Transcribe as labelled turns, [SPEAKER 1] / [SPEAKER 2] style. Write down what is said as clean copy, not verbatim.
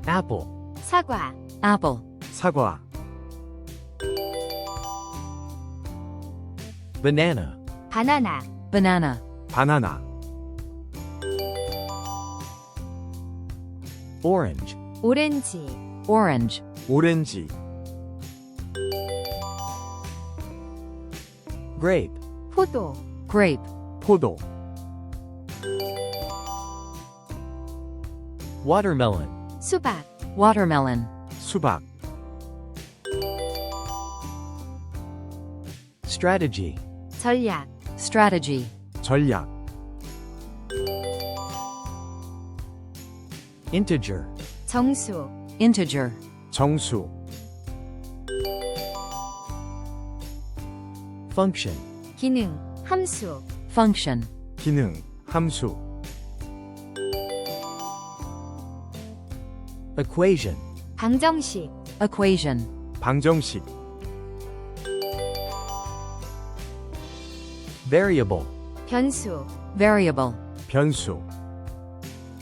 [SPEAKER 1] apple,
[SPEAKER 2] 사과,
[SPEAKER 3] apple,
[SPEAKER 4] 사과,
[SPEAKER 1] banana,
[SPEAKER 2] 바나나,
[SPEAKER 3] banana,
[SPEAKER 4] 바나나,
[SPEAKER 1] orange,
[SPEAKER 2] 오렌지,
[SPEAKER 3] orange,
[SPEAKER 4] 오렌지,
[SPEAKER 1] grape,
[SPEAKER 2] 포도,
[SPEAKER 3] grape,
[SPEAKER 4] 포도,
[SPEAKER 1] watermelon,
[SPEAKER 2] 수박,
[SPEAKER 3] watermelon,
[SPEAKER 4] 수박,
[SPEAKER 1] strategy,
[SPEAKER 2] 전략,
[SPEAKER 3] strategy,
[SPEAKER 4] 전략,
[SPEAKER 1] integer,
[SPEAKER 2] 정수,
[SPEAKER 3] integer,
[SPEAKER 4] 정수,
[SPEAKER 1] function,
[SPEAKER 2] 기능, 함수,
[SPEAKER 3] function,
[SPEAKER 4] 기능, 함수,
[SPEAKER 1] equation,
[SPEAKER 2] 방정식,
[SPEAKER 3] equation,
[SPEAKER 4] 방정식,
[SPEAKER 1] variable,
[SPEAKER 2] 변수,
[SPEAKER 3] variable,
[SPEAKER 4] 변수,